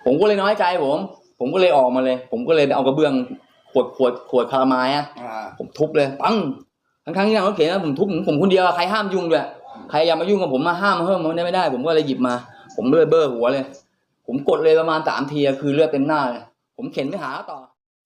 ผมก็เลยน้อยใจผมก็เลยออกมาเลยผมก็เลยเอากระเบื้องขวดคาราไมล์ผมทุบเลยปังทั้งที่นางรถเข็นนะผมทุบผมคนเดียวใครห้ามยุ่งด้วยใครอย่ามายุ่งกับผมมาห้ามเพิ่มมันไม่ได้ผมก็เลยหยิบมาผมเลือดเบ้อหัวเลยผมกดเลยประมาณ3 ทีคือเลือดเต็มหน้าเลยผมเข็นไปหาต่อ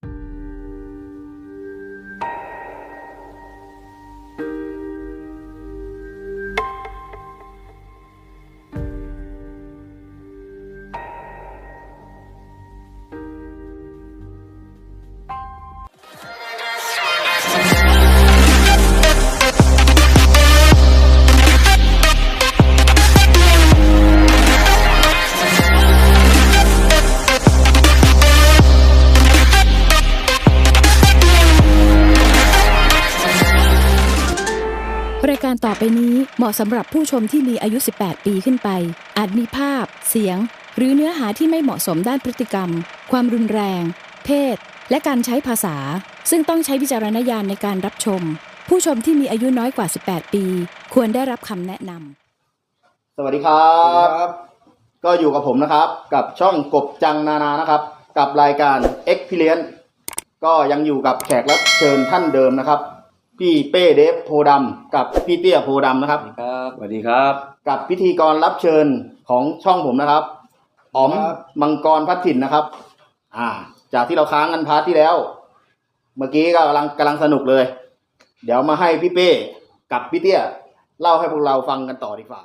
รายการต่อไปนี้เหมาะสำหรับผู้ชมที่มีอายุ 18 ปีขึ้นไปอาจมีภาพเสียงหรือเนื้อหาที่ไม่เหมาะสมด้านพฤติกรรมความรุนแรงเพศและการใช้ภาษาซึ่งต้องใช้วิจารณญาณในการรับชมผู้ชมที่มีอายุน้อยกว่า 18 ปีควรได้รับคำแนะนำสวัสดีครับก็อยู่กับผมนะครับกับช่องกบจังนานานะครับกับรายการ Experience ก็ยังอยู่กับแขกรับเชิญท่านเดิมนะครับพี่เป้เดฟโพดำกับพี่เตี้ยโพดำนะครับสวัสดีครับกับพิธีกรรับเชิญของช่องผมนะครับอ๋อมมังกรพัดถิ่นนะครับจากที่เราค้างกันพาร์ทที่แล้วเมื่อกี้ก็กำลังสนุกเลยเดี๋ยวมาให้พี่เป้กับพี่เตี้ยเล่าให้พวกเราฟังกันต่อดีกว่า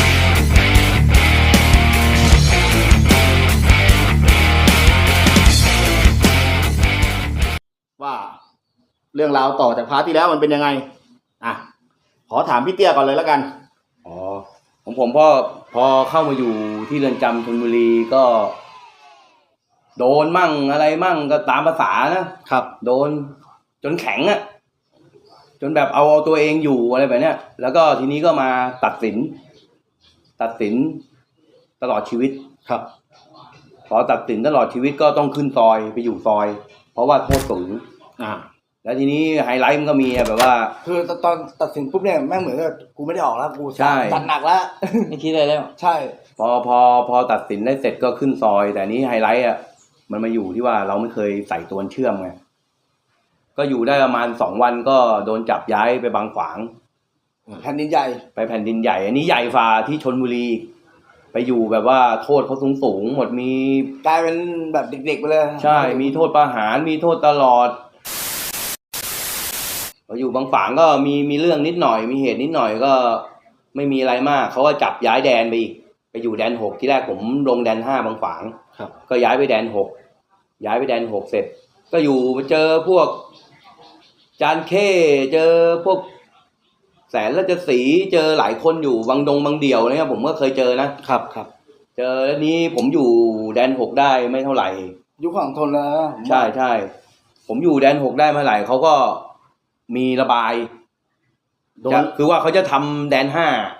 ว่าเรื่องราวต่อจากพาร์ทที่แล้วมันเป็นยังไงขอถามพี่เตี้ยก่อนเลยแล้วกันของผมพอเข้ามาอยู่ที่เรือนจำชลบุรีก็โดนมั่งอะไรมั่งก็ตามภาษานะครับโดนจนแข็งจนแบบเอาตัวเองอยู่อะไรแบบเนี้ยแล้วก็ทีนี้ก็มาตัดสินตลอดชีวิตครับพอตัดสินตลอดชีวิตก็ต้องขึ้นซอยไปอยู่ซอยเพราะว่าโทษสูงแล้วทีนี้ไฮไลท์มันก็มีแบบว่าคือตอนตัดสินปุ๊บเนี่ยแม่งเหมือนกับกูไม่ได้ออกแล้วกูตัดหนักแล้วไม่คิดอะไรแล้วใช่พอตัดสินได้เสร็จก็ขึ้นซอยแต่นี้ไฮไลท์มันมาอยู่ที่ว่าเราไม่เคยใส่ตัวเชื่อมไงก็อยู่ได้ประมาณ2 วันก็โดนจับย้ายไปบางขวางแผ่นดินใหญ่ไปแผ่นดินใหญ่อันนี้ใหญ่ฝ่าที่ชลบุรีไปอยู่แบบว่าโทษเขาสูงหมดมีกลายเป็นแบบเด็กๆไปเลยใช่มีโทษประหารมีโทษตลอดพออยู่บางฝางก็มีเรื่องนิดหน่อยมีเหตุนิดหน่อยก็ไม่มีอะไรมากเขาก็จับย้ายแดนไปอีกไปอยู่แดน6ที่แรกผมลงแดน5บางฝางก็ย้ายไปแดน6เสร็จก็อยู่เจอพวกจานเข้เจอพวกแสนราชสีห์เจอหลายคนอยู่บางเดี่ยวนะครับผมก็เคยเจอนะครับเจอแล้วนี้ผมอยู่แดน6ได้ไม่เท่าไหร่ยุคของทนแล้วใช่ผมอยู่แดน6ได้เมื่อไหร่เขาก็มีระบายคือว่าเขาจะทำแดน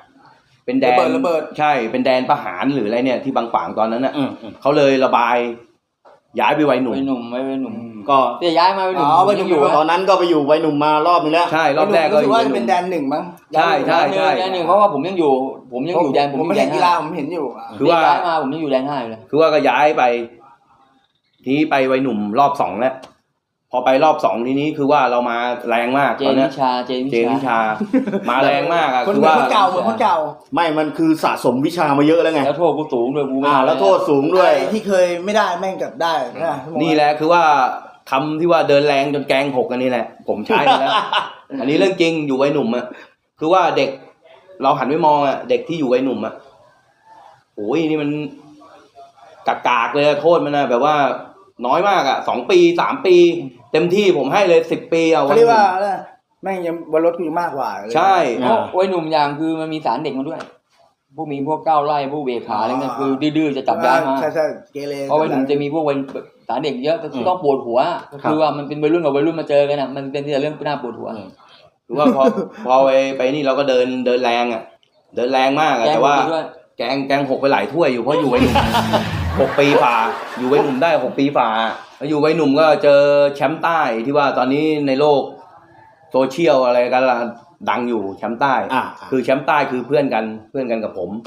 5เป็นแดนระเบิดใช่เป็นแดนประหารหรืออะไรเนี่ยที่บางฝางตอนนั้นเขาเลยระบายย้ายไปไว้หนุ่มก็จะย้ายมาไว้หนุ่มอยู่ตอนนั้นก็ไปอยู่ไว้หนุ่มมารอบนึงแล้วใช่รอบแรกก็รู้ว่าจะเป็นแดน1มั้งใช่แดน1เพราะว่าผมยังอยู่แดนผมไม่เห็นกีฬาผมเห็นอยู่คือว่าย้ายมาผมยังอยู่แดน5อยู่เลยคือว่าก็ย้ายไปทีนี้ไปไว้หนุ่มรอบ2แล้วพอไปรอบ2ทีนี้คือว่าเรามาแรงมากตอนนี้เจนวิชามาแรงมากคือว่าคนเก่าไม่มันคือสะสมวิชามาเยอะแล้วไงแล้วโทษกูสูงด้วยกูแล้วโทษสูงด้วยที่เคยไม่ได้แม่งกลับได้นี่แหละคือว่าคำที่ว่าเดินแรงจนแกง6กันนี่แหละผมใช้แล้วอันนี้เรื่องจริงอยู่ไว้หนุ่มคือว่าเด็กเราหันไปมองเด็กที่อยู่ไว้หนุ่มโอ้ยนี่มันกากเลยโทษมันแบบว่าน้อยมาก2 ปี 3 ปีเต็มที่ผมให้เลย10 ปีเขาเรียกว่าแม่งยังบนรถกูมากกว่าใช่ไว้หนุ่มอย่างคือมันมีสารเด็กมาด้วยพวกก้าวไล่พวกเบขาอะไรเงี้ยคือดื้อจะจับย้ายมาใช่เกเรเพราะไว้หนุ่มจะมีพวกสารเด็กเยอะต้องปวดหัวคือว่ามันเป็นวัยรุ่นกับวัยรุ่นมาเจอกันมันเป็นเรื่องน่าปวดหัวคือว่าพอไปนี่เราก็เดินแรงเดินแรงมากแต่ว่าแกง6ไปหลายถ้วยอยู่เพราะอยู่ไว้หนุ่ม6 ปีฝ่าอยู่ไว้หนุ่มได้6 ปีฝ่าอยู่ไว้หนุ่มก็เจอแชมป์ใต้ที่ว่าตอนนี้ในโลกโซเชียลอะไรกันล่ะดังอยู่แชมป์ใต้คือแชมป์ใต้คือเพื่อนกันกับผม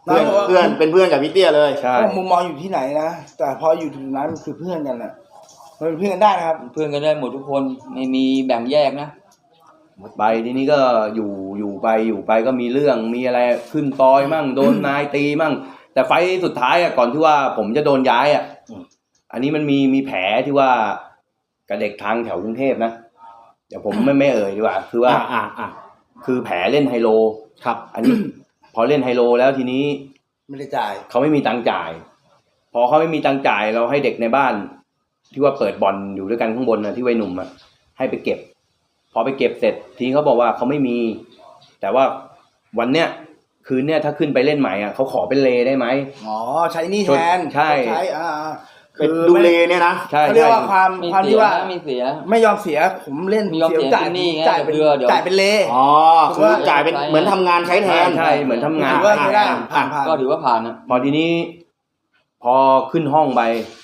เพื่อนเป็นเพื่อนกับพี่เตี้ยเลยใช่เพราะมุมมองอยู่ที่ไหนนะแต่พออยู่จุดนั้นมันคือเพื่อนกันน่ะมันเป็นเพื่อนกันได้นะครับเพื่อนกันได้หมดทุกคนไม่มีแบ่งแยกนะไปทีนี้ก็อยู่ไปก็มีเรื่องมีอะไรขึ้นตอยมั่งโดนนายตีมั่งแต่ไฟล์สุดท้ายก่อนที่ว่าผมจะโดนย้ายอันนี้มันมีแผลที่ว่ากับเด็กทางแถวกรุงเทพนะเดี๋ยวผมไม่เอ่ยดีกว่าคือว่าคือแผลเล่นไฮโลครับ อันนี้ พอเล่นไฮโลแล้วทีนี้ไม่ได้จ่ายเขาไม่มีตังค์จ่าย พอเขาไม่มีตังค์จ่ายเราให้เด็กในบ้าน ที่ว่าเปิดบ่อนอยู่ด้วยกันข้างบนนะที่วัยหนุ่มให้ไปเก็บ พอไปเก็บเสร็จทีเขาบอกว่าเขาไม่มี แต่ว่าวันเนี้ยคืนเนี้ยถ้าขึ้นไปเล่นใหม่เขาขอเป็นเลได้ไหมอ๋อใช้นี่แทนใช่เป็นดูเลเนี่ยนะใช่เขาเรียกว่าความมีความเสีที่ยว่ามีเสียไม่ยอมเสียผมเล่นไม่ยอมเสียจ่ายเป็นหนี้ไงจ่ายเป็นเดี๋ยวจ่ายเป็นเลอ๋อคือจ่ายเป็นเหมือนทำงานใช้แทนใช่เหมือนทำงานถือว่าไม่ได้ผ่านก็ถือว่าผ่านนะพอทีนี้ พอขึ้นห้องไป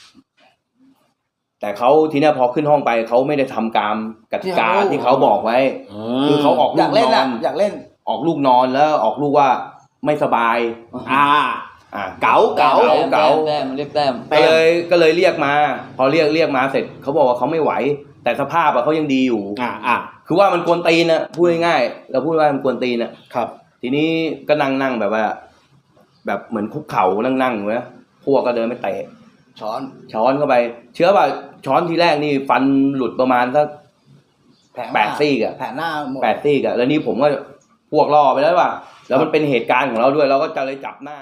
แต่เขาทีเนี้ยพอขึ้นห้องไปเขาไม่ได้ทำตามกติกาที่เขาบอกไว้ คือเขาออกอลูยากกเล่นนออ่ะนอยากเล่นออกลูกนอนแล้วออกลูกว่าไม่สบายเก๋าเก๋าแต้มเรียกแต้มก็เลยเรียกมา พอเรียกมาเสร็จเขาบอกว่าเขาไม่ไหว แต่สภาพเขายังดีอยู่คือว่ามันกวนตีนนะพูดง่ายๆเราพูดว่ามันกวนตีนนะครับ ทีนี้ก็นั่งแบบว่า แบบเหมือนคุกเข่านั่งอยู่นะพวกก็เดินไปเตะช้อนเข้าไป เชื่อป่ะช้อนทีแรกนี่ฟันหลุดประมาณสัก8 ซี่อะแผลหน้าหมด 8 ซี่อะแล้วนี่ผมก็พวกล่อไปแล้วว่ะแล้วมันเป็นเหตุการณ์ของเราด้วยเราก็จะเลยจับหน้า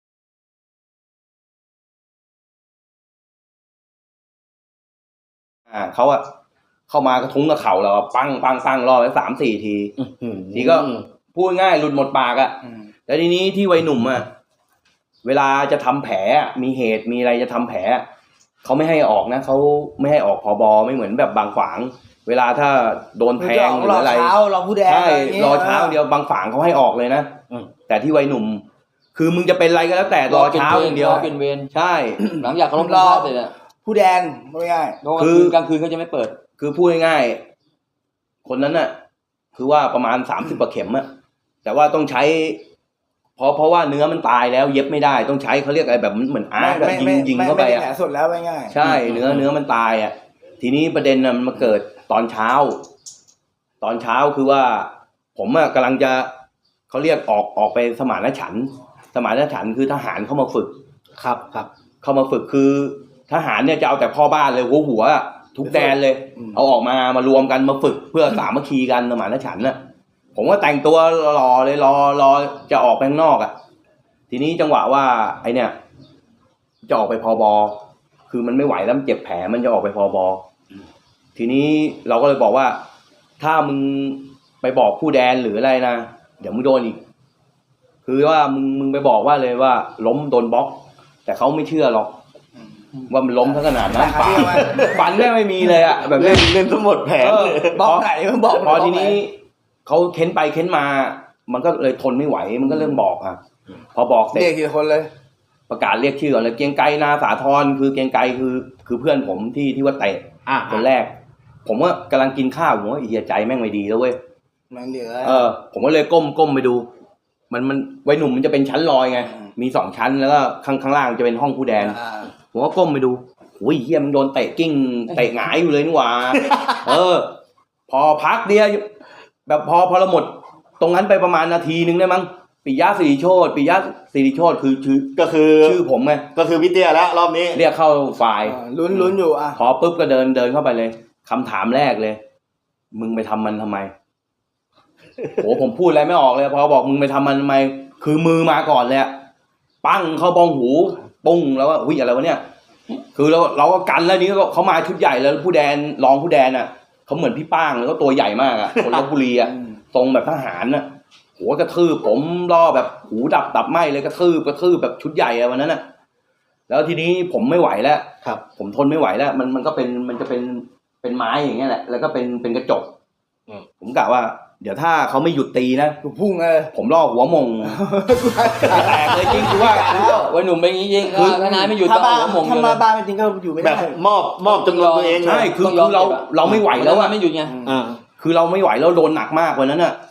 เขาเข้ามากระทุ้งกับเข่าเราปังล่อไป3-4 ทีทีก็พูดง่ายหลุดหมดปากแล้วทีนี้ที่วัยหนุ่มเวลาจะทำแผลมีเหตุมีอะไรจะทำแผลเขาไม่ให้ออกนะเขาไม่ให้ออกผบไม่เหมือนแบบบางขวางเวลาถ้าโดนแทงหรืออะไรรอเช้ารอผู้แดงใช่รอเช้าเดียวบางฝางเขาให้ออกเลยนะแต่ที่วัยหนุ่ม คือมึงจะเป็นอะไรก็แล้วแต่รอเช้าอย่างเดียวเป็นเวรใช่หลังจากเขาลงรอบเสร็จอะผู้แดงไม่ง่ายกลางคืนเขาจะไม่เปิดคือพูดง่ายๆคนนั้นน่ะ คือว่าประมาณ30 กว่าเข็มแต่ว่าต้องใช้เพราะว่าเนื้อมันตายแล้วเย็บไม่ได้ต้องใช้เขาเรียกอะไรแบบเหมือนอาร์ตยิงเข้าไปแผลสดแล้วไม่ง่ายใช่เนื้อมันตายทีนี้ประเด็นมันมาเกิดตอนเช้าคือว่าผมกำลังจะเขาเรียกออกไปสมานฉันท์คือทหารเข้ามาฝึกครับเข้ามาฝึกคือทหารเนี่ยจะเอาแต่พ่อบ้านเลยหัวทุกแดนเลยเอาออกมารวมกันมาฝึกเพื่อสามัคคีกันสมานฉันท์ผมก็แต่งตัวรอเลยรอจะออกไปข้างนอกทีนี้จังหวะว่าไอเนี่ยจะออกไปผบ.คือมันไม่ไหวแล้วมันเจ็บแผลมันจะออกไปผบ.ทีนี้เราก็เลยบอกว่าถ้ามึงไปบอกผู้แดนหรืออะไรนะเดี๋ยวมึงโดนอีกคือว่ามึงไปบอกว่าเลยว่าล้มโดนบล็อกแต่เขาไม่เชื่อหรอกว่ามันล้มทั้งขนาดนั้นฟันแม่ไม่มีเลยแบบเล่นทั้งหมดแผลเลยบล็อกไหนมึงบอกพอทีนี้เขาเค้นไปเค้นมา มันก็เลยทนไม่ไหวมันก็เริ่มบอกพอบอกเสร็จเรียกกี่คนเลยประกาศเรียกชื่อก่อนเลยเกียงไกรนาสาธรคือเกียงไกรคือเพื่อนผมที่ว่าเตะคนแรกผมก็กำลังกินข้าวผมว่าเหี้ยใจแม่งไม่ดีแล้วเว้ยมันเหลือผมก็เลยก้มไปดูมันวัยหนุ่มมันจะเป็นชั้นลอยไงมี2 ชั้นแล้วก็ข้างล่างจะเป็นห้องผู้แดนผมก็ก้มไปดูโอ้ยเหี้ยมันโดนเตะกิ้งเตะหงายอยู่เลยนี่หว่าพอพักเดียวแบบพอเราหมดตรงนั้นไปประมาณนาทีนึงได้มั้งปิยะสิริโชติคือชื่อผมไงก็คือพี่เตี้ยแล้วรอบนี้เรียกเข้าฝ่ายลุ้นอยู่พอปุ๊บก็เดินเข้าไปเลยคำถามแรกเลยมึงไปทำมันทำไมโหผมพูดอะไรไม่ออกเลยพอบอกมึงไปทำมันทำไมคือมือมาก่อนเลยปั้งเข้าบ้องหูปุ้งแล้วว่าอุ้ยอะไรวะเนี่ยคือเราก็กันแล้วนี้เขามาชุดใหญ่แล้วผู้แดนรองผู้แดนเขาเหมือนพี่ป้างแล้วก็ตัวใหญ่มากคนลพบุรีทรงแบบทหารหัวกระทืบผมล่อแบบหูดับไหมเลยกระทืบแบบชุดใหญ่วันนั้นแล้วทีนี้ผมไม่ไหวแล้วครับผมทนไม่ไหวแล้วมันก็มันจะเป็นไม้อย่างเงี้ยแหละแล้วก็เป็นกระจกผมกะว่าเดี๋ยวถ้าเขาไม่หยุดตีนะพุ่งเลยผมล่อหัวมงแตกเลยจริงคือว่าวัยหนุ่มเป็นอย่างนี้จริงถ้านายไม่หยุดก็หัวมงเลยถ้ามาบ้านจริงก็อยู่ไม่ได้แบบมอบจำนวนตัวเองใช่คือเราไม่ไหวแล้วไม่หยุดไงคือเราไม่ไหวแล้วโดนหนักมากวันนั้น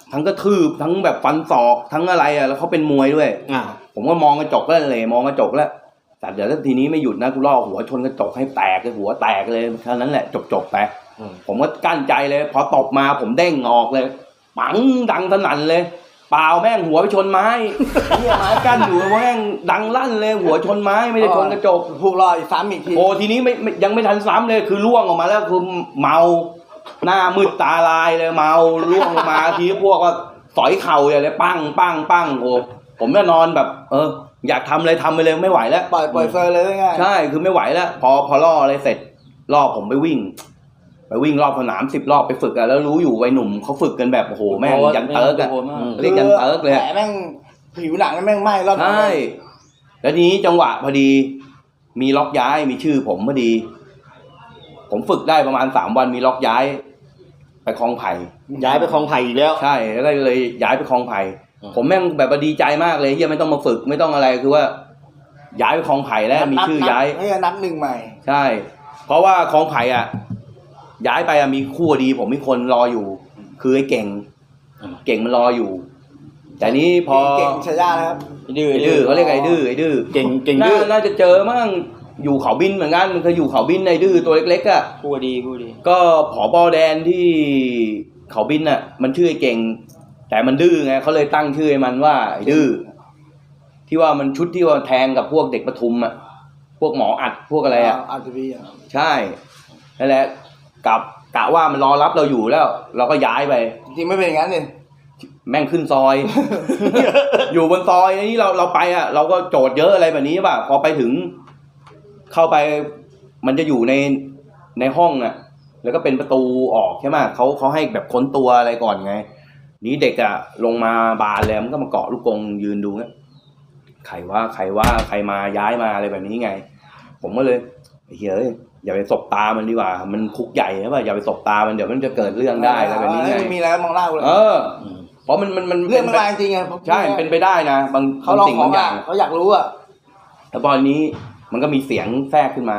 ทั้งกระทืบทั้งแบบฟันศอกทั้งอะไรอ่ะแล้วเขาเป็นมวยด้วย ผมก็มองกระจกแล้วเลยมองกระจกแล้วแต่เดี๋ยวถ้าทีนี้ไม่หยุดนะกูล่อหัวชนกระจกให้แตกเลยหัวแตกเลยเท่านั้นแหละจบไปผมก็กั้นใจเลยพอตบมาผมเด้งออกเลยปังดังสนั่นเลยเปล่าแม่งหัวไปชนไม้เนี่ยไม้กั้นอยู่แม่งดังลั่นเลยหัวชนไม้ไม่ได้ชนกระจกถูกรออีกซ้ำอีกทีโอ้ทีนี้ยังไม่ทันซ้ำเลยคือล่วงออกมาแล้วคือเมาหน้ามืดตาลายเลยเมาล่วงลงมาทีพวกก็สอยเข่าอย่างเลยปั้งปั้งปั้งโอ้ผมก็นอนแบบอยากทำเลยทำไปเลยไม่ไหวแล้วปล่อยเฟอร์เลยง่ายใช่คือไม่ไหวแล้วพอล่ออะไรเสร็จล่อผมไปวิ่งรอบสนาม10 รอบไปฝึกอะแล้วรู้อยู่วัยหนุ่มเขาฝึกกันแบบโอ้โหแม่งยันเติร์กอะเรียกยันเติร์กเลยแผลแม่งผิวหนังแม่งไหม้รอบใช่แล้วทีนี้จังหวะพอดีมีล็อกย้ายมีชื่อผมพอดีผมฝึกได้ประมาณ3 วันมีล็อกย้ายไปคลองไผ่ย้ายไปคลองไผ่อีกแล้วใช่แล้วก็เลยย้ายไปคลองไผ่ผมแม่งแบบดีใจมากเลยที่ไม่ต้องมาฝึกไม่ต้องอะไรคือว่าย้ายไปคลองไผ่แล้วมีชื่อย้ายให้นับหนึ่งใหม่ใช่เพราะว่าคลองไผ่อ่ะย้ายไปมีคู่ดีผมมีคนรออยู่คือไอ้เก่งมันรออยู่แต่นี้พอเก่งชายานะครับดื้อเขาเรียกไอ้ดื้อเก่งดื้อน่าจะเจอมั่งอยู่เขาบินเหมือนกันมันเคยอยู่เขาบินในดื้อตัวเล็กๆอ่ะคู่ดีก็ผบ.แดนที่เขาบินอ่ะมันชื่อไอ้เก่งแต่มันดื้อไงเขาเลยตั้งชื่อให้มันว่าไอ้ดื้อที่ว่ามันชุดที่ว่าแทงกับพวกเด็กปทุมอ่ะพวกหมออัดพวกอะไรอ่ะใช่นั่นแหละกะว่ามันรอรับเราอยู่แล้วเราก็ย้ายไปจริงไม่เป็นอย่างนั้นเลยแม่งขึ้นซอย อยู่บนซอยนี่เราไปอ่ะเราก็โจทย์เยอะอะไรแบบนี้ป่ะพอไปถึงเข้าไปมันจะอยู่ในห้องอ่ะแล้วก็เป็นประตูออกใช่ไหมเขาให้แบบค้นตัวอะไรก่อนไงนี้เด็กอ่ะลงมาบานแล้วมันก็มาเกาะลูกกรงยืนดูเนี่ยใครว่าใครมาย้ายมาอะไรแบบนี้ไงผมก็เลยเฮ้ยอย่าไปสบตามันดีกว่ามันคุกใหญ่ใช่ป่ะอย่าไปสบตามันเดี๋ยวมันจะเกิดเรื่องได้อะไรแบบนี้ไงมีแล้วมองเล่าเลยเพราะมันเรื่องมันมาจริงไงใช่เป็นไปได้นะบางสิ่งบางอย่างเขาอยากรู้อ่ะแล้วตอนนี้มันก็มีเสียงแทรกขึ้นมา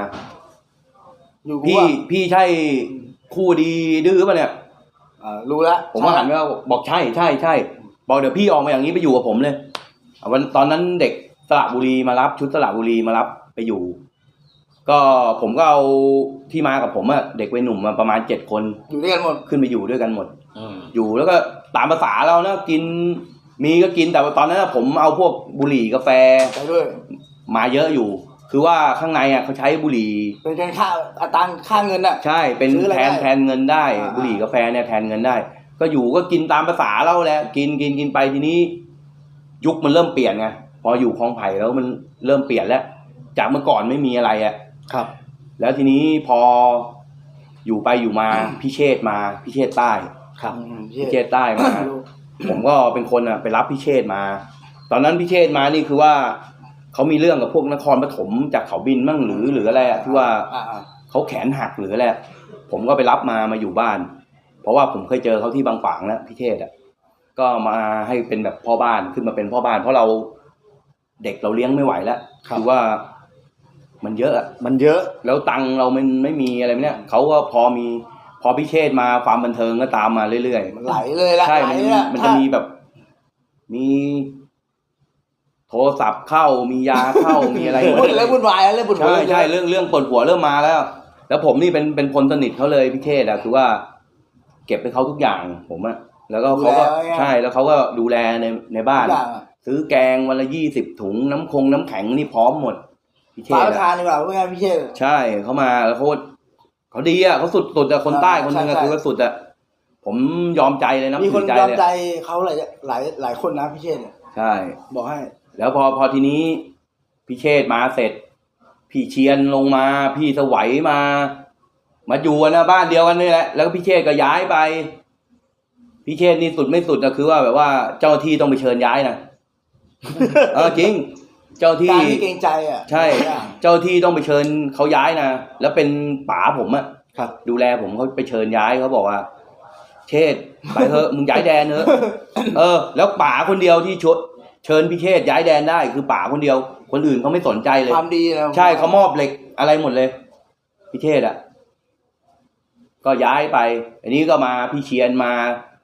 พี่ใช่คู่ดีดื้อป่ะเนี่ยรู้แล้วผมก็หันไปบอกใช่บอกเดี๋ยวพี่ออกมาอย่างนี้ไปอยู่กับผมเลยวันตอนนั้นเด็กสระบุรีมารับชุดสระบุรีมารับไปอยู่ก็ผมก็เอาที่มากับผมอะเด็กวัยหนุ่มมาประมาณ7 คนอยู่ด้วยกันหมดขึ้นไปอยู่ด้วยกันหมดอยู่แล้วก็ตามภาษาเรานะกินมีก็กินแต่ตอนนั้นผมเอาพวกบุหรี่กาแฟไปด้วยมาเยอะอยู่คือว่าข้างในอะเขาใช้บุหรี่เป็นค่าอัตราค่าเงินอะใช่เป็นแทนเงินได้บุหรี่กาแฟเนี่ยแทนเงินได้ก็อยู่ก็กินตามภาษาเราแหละกินไปทีนี้ยุคมันเริ่มเปลี่ยนไงพออยู่คลองไผ่แล้วมันเริ่มเปลี่ยนแล้วจากเมื่อก่อนไม่มีอะไรอะครับแล้วทีนี้พออยู่ไปอยู่มาพี่เชษใต้ครับพี่เชษใต้มา ผมก็เป็นคนไปรับพี่เชษมาตอนนั้นพี่เชษมานี่คือว่าเขามีเรื่องกับพวกนครปฐมจากเขาบินมั่งหรืออะไรอะที่ว่าเขาแขนหักหรืออะไรผมก็ไปรับมาอยู่บ้านเพราะว่าผมเคยเจอเขาที่บางฝางแล้วพี่เชษก็มาให้เป็นแบบพ่อบ้านขึ้นมาเป็นพ่อบ้านเพราะเราเด็กเราเลี้ยงไม่ไหวแล้วคือว่ามันเยอะแล้วตังเรามันไม่มีอะไรเนี่ยเขาก็พอพิเชษมาความบันเทิงก็ตามมาเรื่อยๆไหลเลยละใช่มันจะมีแบบมีโทรศัพท์เข้ามียาเข้ามีอะไรเรื่องวุ่นวายเรื่องปวดหัวใช่เรื่องปวดหัวเริ่มมาแล้วผมนี่เป็นคนสนิทเขาเลยพิเชษคือว่าเก็บให้เขาทุกอย่างผมแล้วก็เขาก็ใช่แล้วเขาก็ดูแลในบ้านซื้อแกงวันละ20 ถุงน้ำแข็งนี่พร้อมหมดพี่เชษทานดีกว่าว่าไงพี่เชษใช่เขามาแล้วเขาดีเขาสุดคนใต้คนนึงคือสุดผมยอมใจเลยนะมีคนยอมใจเขาหลายคนนะพี่เชษใช่บอกให้แล้วพอทีนี้พี่เชษมาเสร็จพี่เชียนลงมาพี่สวัยมาอยู่นะบ้านเดียวกันนี่แหละแล้วก็พี่เชษก็ย้ายไปพี่เชษนี่สุดไม่สุดนะคือว่าแบบว่าเจ้าที่ต้องไปเชิญย้ายนะจริงเจ้าที่เกรงใจใช่เจ้าที่ต้องไปเชิญเขาย้ายนะแล้วเป็นป๋าผมครับดูแลผมเขาไปเชิญย้ายเขาบอกว่าเชษไปเถอะมึงย้ายแดนเถอะแล้วป๋าคนเดียวที่เชิญพี่เชษย้ายแดนได้คือป๋าคนเดียวคนอื่นเขาไม่สนใจเลยความดีแล้วใช่เขามอบเหล็กอะไรหมดเลยพี่เชษก็ย้ายไปอันนี้ก็มาพี่เชียนมา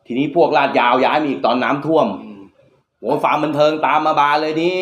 ทีนี้พวกลาดยาวย้ายมาอีกตอนน้ำท่วมโอ้ฟาร์มบันเทิงตามมาบานเลยนี้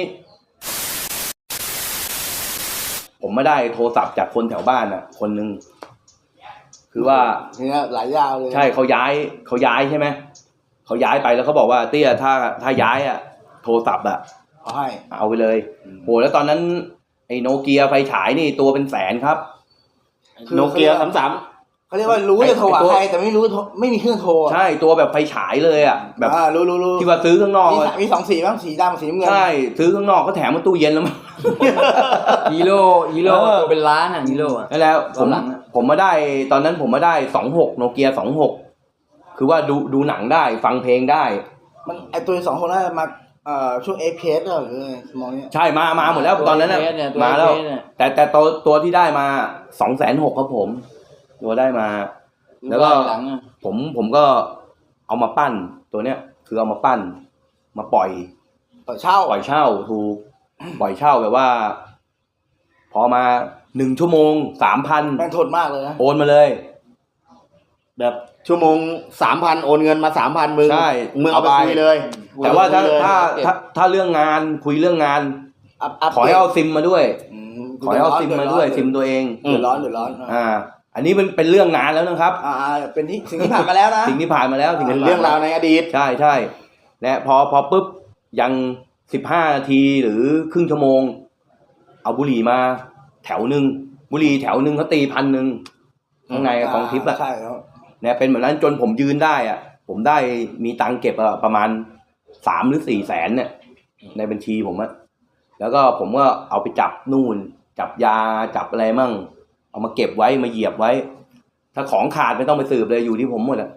ผมไม่ได้โทรศัพท์จากคนแถวบ้านอ่ะ คนนึงคือว่าเนี่ยหลายยาวเลยใช่เขาย้ายใช่ไหมเขาย้ายไปแล้วเขาบอกว่าเตี้ยถ้าย้ายอ่ะโทรศัพท์อ่ะ เอาไปเลยโหแล้วตอนนั้นไอ้โนเกียไฟฉายนี่ตัวเป็นแสนครับโนเกีย33 เขาเรียกว่ารู้จะโทรหาใครแต่ไม่รู้ไม่มีเครื่องโทรใช่ตัวแบบไฟฉายเลยอ่ะแบบรู้ที่ว่าซื้อข้างนอกมี2สีบ้างสีดำสีน้ำเงินใช่ซื้อข้างนอกก็แถมมาตู้เย็นแล้วมั้งฮีโร่ตัวเป็นล้านอ่ะฮีโร่อ่ะแล้วผมมาได้ตอนนั้นผมมาได้26โนเกีย26คือว่าดูหนังได้ฟังเพลงได้มันไอตัว2 คนนั้นมาช่วง APS หรือมองเนี่ยใช่มาหมดแล้วตอนนั้นน่ะมาแล้วแต่ตัวที่ได้มา260,000ครับผมตัวได้มาแล้วก็ผมก็เอามาปั้นตัวเนี้ยคือเอามาปั้นมาปล่อยเช่าถูกปล่อยเช่าแบบว่าพอมา1 ชั่วโมง 3,000 แม่งทนมากเลยนะโอนมาเลยแบบชั่วโมง 3,000 โอนเงินมา 3,000 มึงเอาไปคุยเลยแต่ว่าถ้าเรื่องงานคุยเรื่องงานขอให้เอาซิมมาด้วยขอให้เอาซิมมาด้วยซิมตัวเองเดือดร้อนอันนี้มันเป็นเรื่องงานแล้วนะครับเป็นสิ่งที่ผ่านมาแล้วนะสิ่งที่ผ่านมาแล้วเป็นเรื่องราวในอดีตใช่และพอปุ๊บยัง15 นาทีหรือครึ่งชั่วโมงเอาบุหรี่มาแถวนึงบุหรี่แถวนึงเขาตี1,000ข้างในกองทิพย์อ่ะใช่ครับเนี่ยเป็นแบบนั้นจนผมยืนได้อ่ะผมได้มีตังค์เก็บประมาณ3 หรือ 4 แสนเนี่ยในบัญชีผมอ่ะแล้วก็ผมก็เอาไปจับนู่นจับยาจับอะไรมั่งเอามาเก็บไว้มาเหยียบไว้ถ้าของขาดไม่ต้องไปสืบเลยอยู่ที่ผมหมดอ่ะ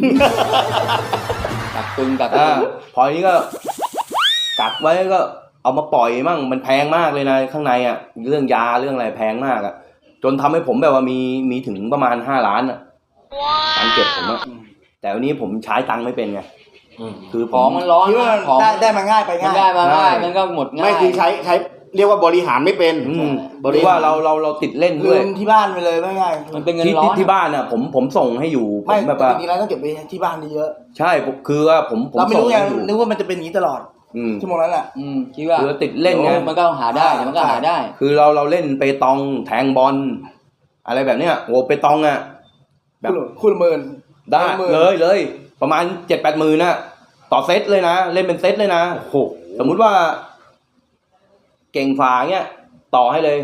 กักตึงพอนี้ก็กักไว้ก็เอามาปล่อยมั่งมันแพงมากเลยนะข้างในอ่ะเรื่องยาเรื่องอะไรแพงมากอ่ะจนทำให้ผมแบบว่ามีถึงประมาณ5 ล้านอ่ะตังเก็บผมอ่ะแต่วันนี้ผมใช้ตังค์ไม่เป็นไงคือของมันร้อนของได้มาง่ายไปง่ายได้มาง่ายมันก็หมดง่ายไม่คือใช้เรียกว่าบริหารไม่เป็นบริว่าเราติดเล่นด้วยที่บ้านไปเลยไม่ง่ายมันเป็นเงินร้อนที่บ้านอ่ะผมส่งให้อยู่ไม่แบบจริงๆแล้วต้องเก็บไปที่บ้านเยอะใช่คือว่าผมเราไม่รู้ไงนึกว่ามันจะเป็นอย่างนี้ตลอดชั่วโมงนั้นแหละคิดว่าคือติดเล่นไงมันก็หาได้มันก็หาได้คือเราเล่นเปตองแทงบอลอะไรแบบเนี้ยโอ้เปตองอ่ะแบบคุณหมื่นได้เลยประมาณ 7-8 หมื่นน่ะต่อเซตเลยนะเล่นเป็นเซตเลยนะโอ้สมมุติว่าเก่งฝาเงี้ยต่อให้เลย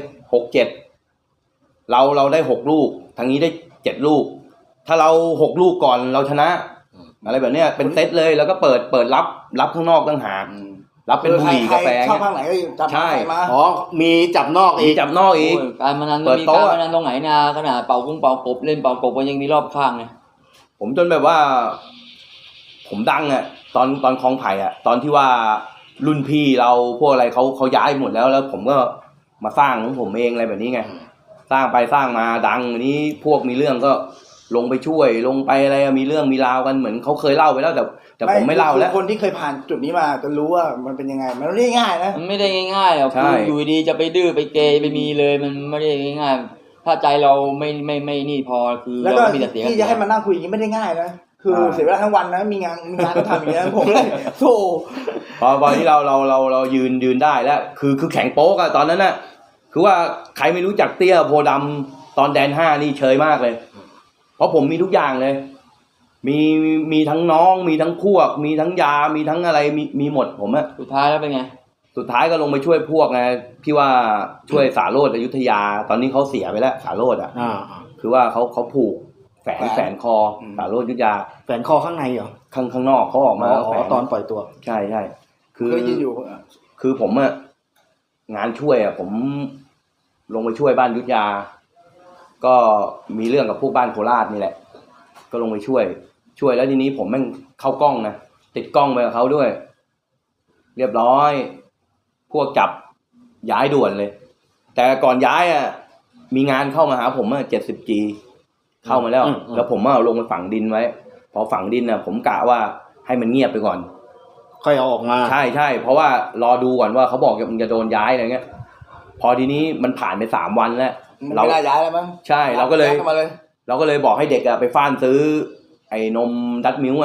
6-7เราได้6 ลูกทางนี้ได้7 ลูกถ้าเรา6 ลูกก่อนเราชนะอะไรแบบเนี้ยเป็นเซตเลยแล้วก็เปิดรับข้างนอกต่างหากรับเป็นบุหรี่กาแฟชอบข้างไหนก็จับมามีจับนอกอีกการพนันมีการพนันตรงไหนนะขนาดเป่ากุ้งเป่ากบเล่นเป่ากบก็ยังมีรอบข้างเลยผมจนแบบว่าผมดังอ่ะตอนคลองไผ่อ่ะตอนที่ว่ารุ่นพี่เราพวกอะไรเขาย้ายหมดแล้วผมก็มาสร้างของผมเองอะไรแบบนี้ไงสร้างไปสร้างมาดังอันนี้พวกมีเรื่องก็ลงไปช่วยลงไปอะไรมีเรื่องมีราวกันเหมือนเขาเคยเล่าไปแล้วแต่ผมไม่เล่าแล้วคนที่เคยผ่านจุดนี้มาจะรู้ว่ามันเป็นยังไงมันไม่ได้ง่ายนะมันไม่ได้ง่ายๆหรอกคืออยู่ดีจะไปดื้อไปเกยไปมีเลยมันไม่ได้ง่ายๆถ้าใจเราไม่นี่พอคือเราไม่มีแต่เสียที่จะให้มานั่งคุยอย่างนี้ไม่ได้ง่ายนะคือเสียเวลาทั้งวันนะมีงานต้องทำอย่างนี้ผมโธ่พอที่เรายืนได้แล้วคือแข็งโป๊กอะตอนนั้นน่ะคือว่าใครไม่รู้จักเตี้ยโพดำตอนแดน5นี่เชยมากเลยเพราะผมมีทุกอย่างเลยมีทั้งน้องมีทั้งพวกมีทั้งยามีทั้งอะไรมีหมดผมอะสุดท้ายแล้วเป็นไงสุดท้ายก็ลงไปช่วยพวกไงที่ว่าช่วยสาโรจน์อยุธยาตอนนี้เขาเสียไปแล้วสาโรจน์อะคือว่าเขาผูกแฝนคอสาโรจน์อยุธยาแฝนคอข้างในเหรอข้างนอกเขาออกมาตอนปล่อยตัวใช่คืออยู่คือผมอะงานช่วยอะผมลงไปช่วยบ้านอยุธยาก็มีเรื่องกับพวกบ้านโคราชนี่แหละก็ลงไปช่วยแล้วทีนี้ผมแม่งเข้ากล้องนะติดกล้องไปกับเขาด้วยเรียบร้อยพวกจับย้ายด่วนเลยแต่ก่อนย้ายอ่ะมีงานเข้ามาหาผมอ่ะ 70G เข้ามาแล้วผมเอาลงไปฝังดินไว้พอฝังดินอ่ะผมกะว่าให้มันเงียบไปก่อนค่อยเอาออกมาใช่เพราะว่ารอดูก่อนว่าเขาบอกมันจะโดนย้ายอะไรเงี้ยพอทีนี้มันผ่านไป3 วันแล้วเราไม่ได้ย้ายแล้วมั้งใช่เราก็เลยบอกให้เด็กอ่ะไปฟ้านซื้อไอ้นมดัตมิลค์อ่ะ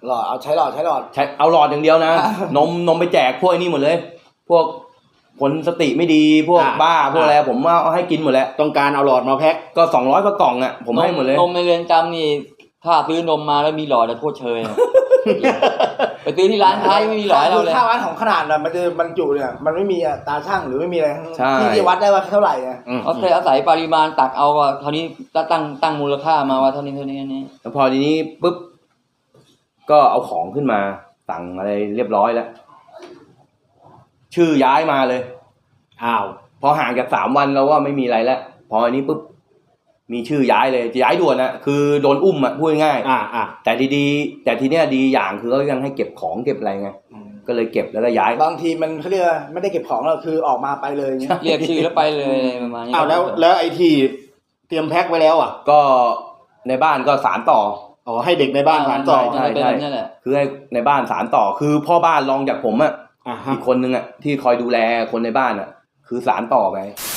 หลอดเอาใช้หลอดใช้เอาหลอดอย่างเดียวนะ นมไปแจกพวกไอ้นี่หมดเลย พวกคนสติไม่ดีพวกบ้าพวกอะไรผมเอาให้กินหมดแล้วต้องการเอาหลอดมาแพ็คก็200กว่ากล่องอ่ะผมให้หมดเลยนมในเรือนจำนี่ถ้าซื้อนมมาแล้วมีหลอดจะโทษเชยอะ ไปซื้อที่ร้านค้าไม่มีหลอดให้เราเลยค่าวัดของขนาดน่ะมันจะบรรจุเนี่ยมันไม่มีตาช่างหรือไม่มีอะไรใช่ที่จะวัดได้ว่าเท่าไหร่อ่ะเอาแต่อาศัยปริมาณตักเอาก็เท่านี้ตั้งมูลค่ามาว่าเท่านี้นี่แล้วพอทีนี้ปุ๊บก็เอาของขึ้นมาสั่งอะไรเรียบร้อยแล้วชื่อย้ายมาเลยอ้าวพอห่างจาก3 วันเราว่าไม่มีอะไรแล้วพออันนี้ปุ๊บมีชื่อย้ายเลยจะย้ายด่วนนะคือโดนอุ้มอ่ะพูดง่ายแต่ดีๆแต่ทีเนี้ยดีอย่างคือเขายังให้เก็บของเก็บอะไรไงก็เลยเก็บแล้วก็ย้ายบางทีมันเขาเรียกไม่ได้เก็บของเราคือออกมาไปเลยเงี้ยเรียกชื่อแล้วไปเลยประมาณนี้แล้วไอ้ที่เตรียมแพ็คไว้แล้วก็ในบ้านก็สานต่อให้เด็กในบ้านสานต่อใช่คือให้ในบ้านสานต่อคือพ่อบ้านรองจากผมอ่ะอีกคนนึงอ่ะที่คอยดูแลคนในบ้านอ่ะคือสานต่อไป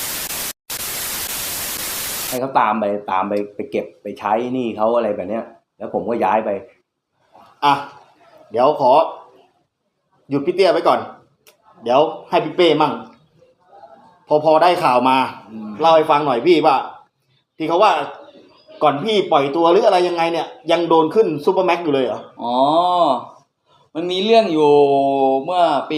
ให้เขาตามไปเก็บไปใช้หนี้เขาอะไรแบบเนี้ยแล้วผมก็ย้ายไปเดี๋ยวขอหยุดพี่เตี้ยไว้ก่อนเดี๋ยวให้พี่เป้มั่งพอได้ข่าวมาเล่าให้ฟังหน่อยพี่ว่าที่เขาว่าก่อนพี่ปล่อยตัวหรืออะไรยังไงเนี่ยยังโดนขึ้นซุปเปอร์แม็กอยู่เลยเหรอมันมีเรื่องอยู่เมื่อปี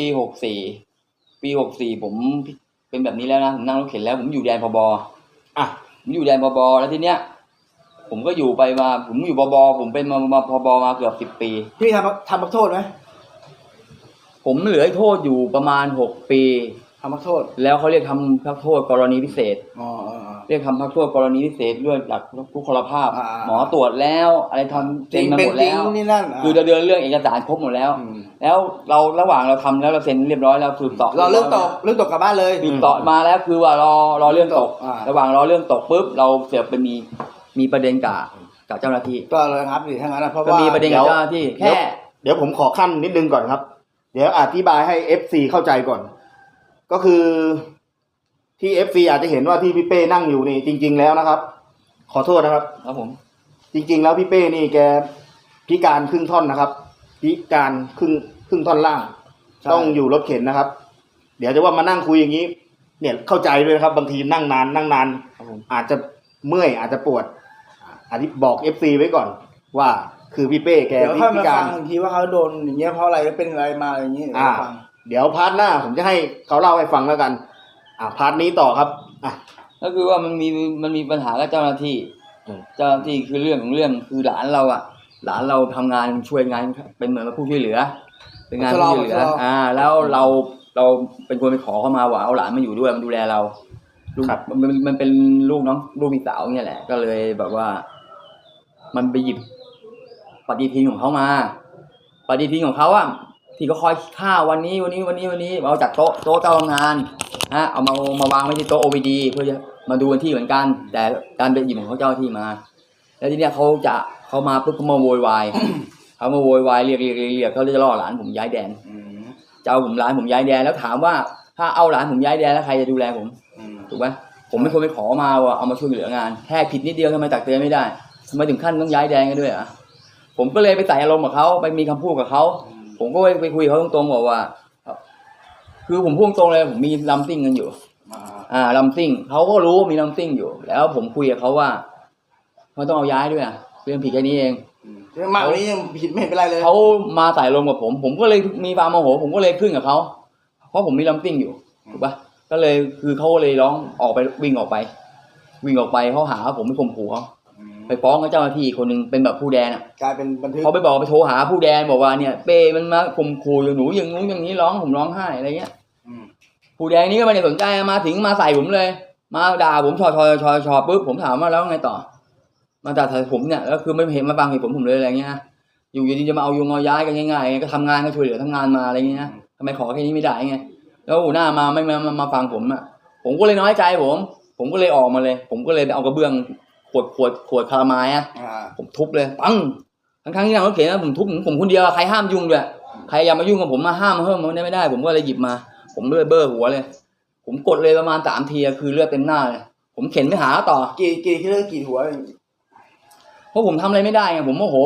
64ผมเป็นแบบนี้แล้วนะผมนั่งรถเข็นแล้วผมอยู่แดนพบผมอยู่แดนพบแล้วทีเนี้ยผมก็อยู่ไปมาผมอยู่พบผมเป็นมาพบมาเกือบ10 ปีพี่ทำพักโทษไหมผมเหลือโทษอยู่ประมาณ6 ปีทำพักโทษแล้วเขาเรียกทำพักโทษกรณีพิเศษเรียกทำพักโทษกรณีพิเศษด้วยหลักทุกพลภาพหมอตรวจแล้วอะไรทำเต็มมาหมดแล้วคือเดินเรื่องเอกสารครบหมดแล้วแล้วเราระหว่างเราทำแล้วเราเซ็นเรียบร้อยแล้วสืบต่อเราเรื่องตกกลับบ้านเลยสืบต่อมาแล้วคือว่ารอเรื่องตกระหว่างรอเรื่องตกปุ๊บเราเสือกไปมีประเด็นกับเจ้าหน้าที่ก็เลยครับดิถ้างั้นเพราะว่ามีประเด็นกับเจ้าหน้าที่แค่เดี๋ยวผมขอขั้นนิดนึงก่อนครับเดี๋ยวอธิบายให้ FC เข้าใจก่อนก็คือที่ FC อาจจะเห็นว่าที่พี่เป้นั่งอยู่นี่จริงๆแล้วนะครับขอโทษนะครับผมจริงๆแล้วพี่เป้นี่แกพิการครึ่งท่อนนะครับพิการครึ่งท่อนล่างต้องอยู่รถเข็นนะครับเดี๋ยวจะว่ามานั่งคุยอย่างนี้เนี่ยเข้าใจด้วยนะครับบางทีนั่งนานอาจจะเมื่อยอาจจะปวดบอก FC ไว้ก่อนว่าคือพี่เป้แกพิการบางทีว่าเขาโดนอย่างเงี้ยเพราะอะไรเป็นอะไรมาอย่างนี้เดี๋ยวพาร์ทหน้าผมจะให้เขาเล่าให้ฟังแล้วกันพาร์ทนี้ต่อครับก็คือว่ามันมีปัญหากับเจ้าหน้าที่คือเรื่องของเรื่องคือหลานเราทำงานช่วยงานเป็นเหมือนผู้ช่วยเหลือเป็นงานผู้ช่วยเหลือแล้วเราเป็นคนไปขอเข้ามาว่าเอาหลานมาอยู่ด้วยมาดูแลเรามันเป็นลูกมีสาวเนี่ยแหละก็เลยแบบว่ามันไปหยิบปฏิทินของเขามาปฏิทินของเขาที่เขาคอยข้าววันนี้เอาจากโต๊ะเจ้าทำงานเอามาวางไว้ที่โต๊ะ OVD เพื่อจะมาดูวันที่เหมือนกันแต่การไปหยิบของเขาเจ้าที่มาแล้วทีเนี้ยเขามาปุ๊บเขามาโวยวายเขามาโวยวายเรียกเขาจะล่อหลานผมย้ายแดนจะเอาหลานผมย้ายแดนแล้วถามว่าถ้าเอาหลานผมย้ายแดนแล้วใครจะดูแลผมถูกไหมผมไม่ควรไปขอมาว่าเอามาช่วยเหลืองานแค่ผิดนิดเดียวทำไมตักเตือนไม่ได้ทำไมถึงขั้นต้องย้ายแดนกันด้วยผมก็เลยไปใส่อารมณ์กับเขาไปมีคำพูดกับเขาผมก็ไปคุยเขาตรงๆบอกว่าคือผมพูดตรงเลยผมมีลัมซิ่งกันอยู่ลัมซิ่งเขาก็รู้ว่ามีลัมซิ่งอยู่แล้วผมคุยกับเขาว่าเขาต้องเอาย้ายด้วยเรื่องผิดแค่นี้เองมากกว่านี้ยังผิดไม่เป็นไรเลยเขามาใส่ลมกับผมก็เลยมีความโมโหผมก็เลยขึ้นกับเขาเพราะผมมีลัมซิ่งอยู่ถูกปะก็เลยคือเขาเลยร้องออกไปวิ่งออกไปเขาหาผมไปข่มขู่เขาไปฟ้องกับเจ้าหน้าที่คนนึงเป็นแบบผู้แดนกลายเป็นบันทึกเขาไปบอกไปโทรหาผู้แดนบอกว่าเนี่ยเป้มันมาข่มขู่อยู่หนูอย่างนู้นอย่างนี้ผมร้องไห้อะไรเงี้ยผู้แดนนี้ก็ไม่ได้สนใจมาถึงมาใส่ผมเลยมาด่าผมชอปุ๊บผมถามว่าแล้วไงต่อมาด่าผมเนี่ยแล้วคือไม่เห็นมาฟังเหตุผมเลยอะไรเงี้ยอยู่ดีจะมาเอาย้ายกันง่ายๆก็ทำงานก็ช่วยเหลือทำงานมาอะไรเงี้ยทำไมขอแค่นี้ไม่ได้ไงแล้วหัวหน้ามาไม่มาฟังผมก็เลยน้อยใจผมก็เลยออกมาเลยผมก็เลยเอากระเบื้องขวดคาราไม้ผมทุบเลยปังทั้งที่นั่งรถเข็นผมทุบผมคนเดียวใครห้ามยุ่งด้วยใครอย่ามายุ่งกับผมมาห้ามมันไม่ได้ผมก็เลยหยิบมาผมเลือดเบ้อหัวเลยผมกดเลยประมาณ3 ทีคือเลือดเต็มหน้าเลยผมเข็นไปหาต่อกี่หัวเพราะผมทำอะไรไม่ได้ไงผมโมโหผม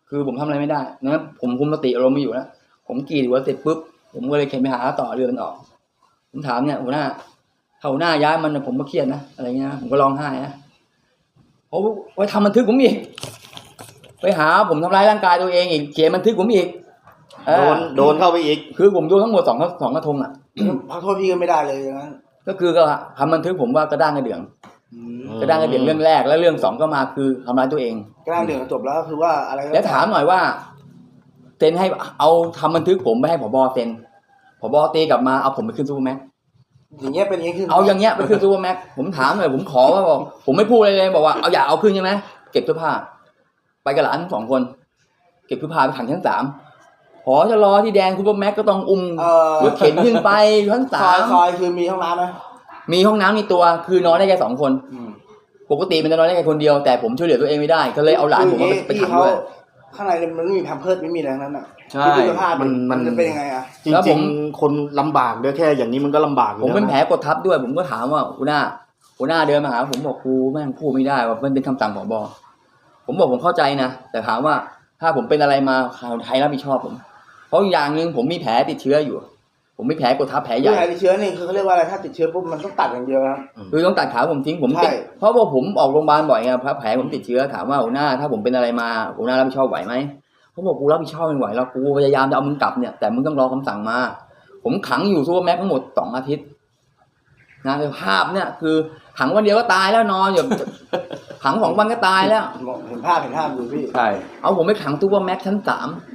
คือผมทำอะไรไม่ได้นะผมคุมสติอารมณ์ไม่อยู่แล้วผมกรีดหัวเสร็จปุ๊บผมก็เลยเข็นไปหาต่อเรือมันออกผมถามเนี่ยหัวหน้าถ้าหัวหน้าย้ายมันผมก็เครียดนะอะไรเงี้ยผมก็ร้องไห้นะเขาไปทำบันทึกผมอีกไปหาผมทำร้ายร่างกายตัวเองอีกเขียนบันทึกผมอีกโดนเข้าไปอีกคือผมโดนทั้งหมดสองกระทงอ่ะพักโทษพี่ก็ไม่ได้เลยอย่างนั้นก็คือก็ทำบันทึกผมว่ากระด้างกระเดื่องกระด้างกระเดื่องเรื่องแรกแล้วเรื่องสองก็มาคือทำร้ายตัวเองก็นั่งเดือดจบแล้วคือว่าอะไรแล้วถามหน่อยว่าเซ็นให้เอาทำบันทึกผมไปให้ผบเซ็นผบตีกลับมาเอาผมไปขึ้นซูเปอร์แม็กซ์อย่างเงี้ยเป็นอย่างนี้คือเอาอย่างเงี้ยไปขึ้นซูเปอร์แม็กซ์ผมถามหน่อยผมขอว่าบอกผมไม่พูดอะไรเลยบอกว่าเอาอย่าเอาขึ้นใช่ไหมเก็บเสื้อผ้าไปกับหลาน2 คนเก็บเสื้อผ้าไปขังชั้น 3พอจะรอที่แดงซูเปอร์แม็กซ์ก็ต้องอุ้มรถเข็นขึ้นไปชั้นซอยคือมีห้องน้ำไหม 3มีห้องน้ำมีตัวคือนอนได้แค่2 คนปกติมันจะนอนได้แค่คนเดียวแต่ผมช่วยเหลือตัวเองไม่ได้ก็เลยเอาหลานผมไปขังด้วยข้างในมันไม่มีแพมเพิร์สไม่มีอะไรทั้งนั้นอ่ะใช่มันจะเป็นยังไงอ่ะจริงๆคนลำบากด้วยแค่อย่างนี้มันก็ลำบากอยู่ผมเป็นแล้วแผลกดทับด้วยผมก็ถามว่าหัวหน้าเดินมาหาผมบอกครูแม่งพูดไม่ได้ว่ามันเป็นคำสั่งผบ.ผมบอกผมเข้าใจนะแต่ถามว่าถ้าผมเป็นอะไรมาใครรับผิดชอบผมเพราะอย่างหนึ่งผมมีแผลติดเชื้ออยู่ ผมมีแผลกดทับแผลใหญ่แผลติดเชื้อนี่คือเขาเรียกว่าอะไรถ้าติดเชื้อปุ๊บมันต้องตัดอย่างเดียวนะคือต้องตัดขาผมทิ้งผมใช่ติดเพราะว่าผมออกโรงพยาบาลบ่อยไงแผลผมติดเชื้อถามว่าหัวหน้าถ้าผมเป็นอะไรมาหัวหน้ารับผิดชอบไหวไหมเขาบอกกูรับผิดชอบไม่ไหวแล้วกูพยายามจะเอามึงกลับเนี่ยแต่มึงต้องรอคำสั่งมาผมขังอยู่ซูเปอร์แม็กซ์ทั้งหมด2 อาทิตย์นะภาพเนี่ยคือขังวันเดียวก็ตายแล้วนอนอยู่ ขัง2 วันก็ตายแล้วเห็นภาพอยู่พี่ใช่เอาผมไปขังซูเปอร์แม็กซ์ชั้น 3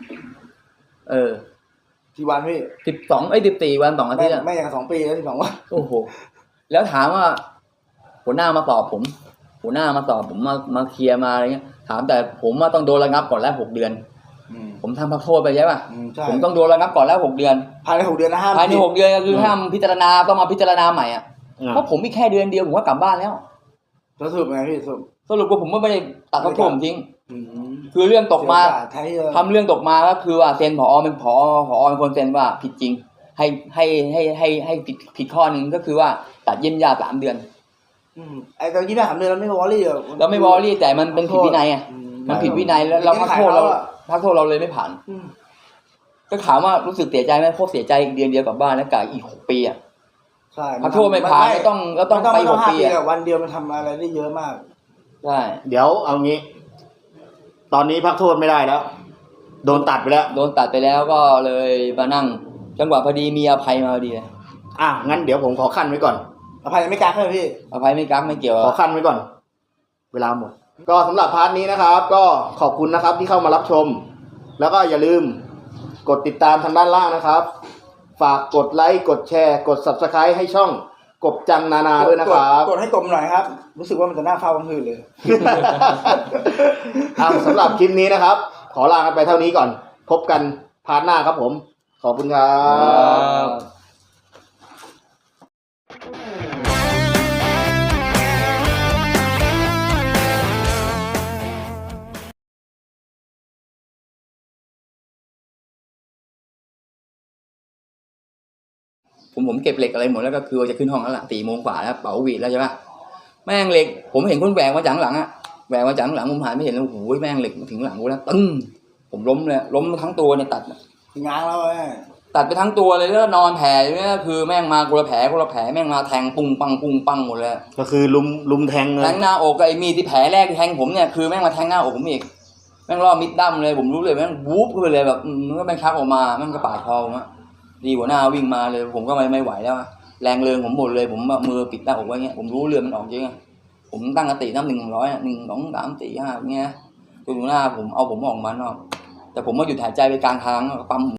ที่วันพี่ 14 วัน2 อาทิตย์อะไม่อย่าง2 ปีแล้ว12 วันโอ้โหแล้วถามว่าหัวหน้ามาสอบผมหัวหน้ามาสอบผมมาเคลียร์มาอะไรเงี้ยถามแต่ผมว่าต้องโดนระงับก่อนแล้ว6 เดือนผมทำพักโทษไปใช่ป่ะผมต้องโดนระงับก่อนแล้ว6 เดือนภายใน6 เดือนนะห้ามภายใน6 เดือนก็คือห้ามพิจารณาต้องมาพิจารณาใหม่อ่ะเพราะผมมีแค่เดือนเดียวผมก็กลับบ้านแล้วแล้วสรุปไงพี่สรุปว่าผมก็ไม่ได้ตัดพักโทษผมทิ้งคือเรื่องตกมาทำเรื่องตกมาก็คือว่าเซ็นผอเป็นผอเป็นคนเซ็นว่าผิดจริงให้ผิดข้อนึงก็คือว่าตัดเยี่ยมญาติ3 เดือนไอ้ตอน23 เดือนเราไม่วอรี่เหรอเราไม่วอรี่แต่มันเป็นผิดวินัยอ่ะมันผิดวินัยแล้วเราพักโทษเราเลยไม่ผ่านก็ถามว่ารู้สึกเสียใจไหมโคตรเสียใจเดือนเดียวกลับบ้านแล้วกะอีก6 ปีอ่ะใช่พักโทษไม่ผ่านก็ต้องไป6 ปีอ่ะวันเดียวมันทำอะไรได้เยอะมากใช่เดี๋ยวเอางี้ ตอนนี้พักโทษไม่ได้แล้ว โดนตัดไปแล้วโดนตัดไปแล้วก็เลยมานั่งจังหวะพอดีมีอภัยมาพอดีเลยงั้นเดี๋ยวผมขอขั้นไว้ก่อนอภัยไม่กล้าใช่ไหมพี่อภัยไม่กักไม่เกี่ยวขอขั้นไว้ก่อน เวลาหมด ก็สำหรับพาร์ทนี้นะครับ ก็ขอบคุณนะครับที่เข้ามารับชม แล้วก็อย่าลืมกดติดตามทางด้านล่างนะครับ ฝากกดไลค์กดแชร์กด Subscribe ให้ช่องกบจังนานาด้วยนะครับกดให้กลมหน่อยครับรู้สึกว่ามันจะน่าเฝ้ากลางคืนเลยสำหรับคลิปนี้นะครับ ขอลากันไปเท่านี้ก่อน พบกันพาร์ทหน้าครับผม ขอบคุณครับผมเก็บเหล็กอะไรหมดแล้วก็คือจะขึ้นห้องแล้วล่ะ4 โมงกว่าแล้วเป๋าหวีดแล้วใช่ปะแม่งเหล็กผมเห็นคนแหวกมาจากหลังอ่ะแหวกมาจากหลังผมหันไม่เห็นแล้วโอ้โหแม่งเหล็กถึงหลังกูแล้วตึ้งผมล้มเลยล้มทั้งตัวเนี่ยตัดง้างแล้วแม่ตัดไปทั้งตัวเลยแล้วนอนแผลอยู่เนี่ยคือแม่งมาคนละแผลแม่งมาแทงปุ้งปังหมดเลยก็คือลุมแทงเลแทยงหน้าอกไอ้มีดที่แผลแรกที่แทงผมเนี่ยคือแม่งมาแทงหน้าอกผมอีกแม่งล่อมิดดั้มเลยผมรู้เลยแม่งวูบขึ้นไปเลยแบบมันก็แม่งชักออกมาแม่งกระปาดคอผมอะดีหัวหน้าวิ่งมาเลยผมก็ไม่ไหวแล้วแรงเริงผมหมดเลยผมมือปิดหน้าอกไว้เงี้ยผมรู้เลือดมันออกจริงอะผมตั้งสตินับ1 ถึง 100 1 2 3 4 5เงี้ยจนหัวหน้าผมเอาผมออกมาเนาะแต่ผมมาหยุดหายใจไปกลางทางปั๊ม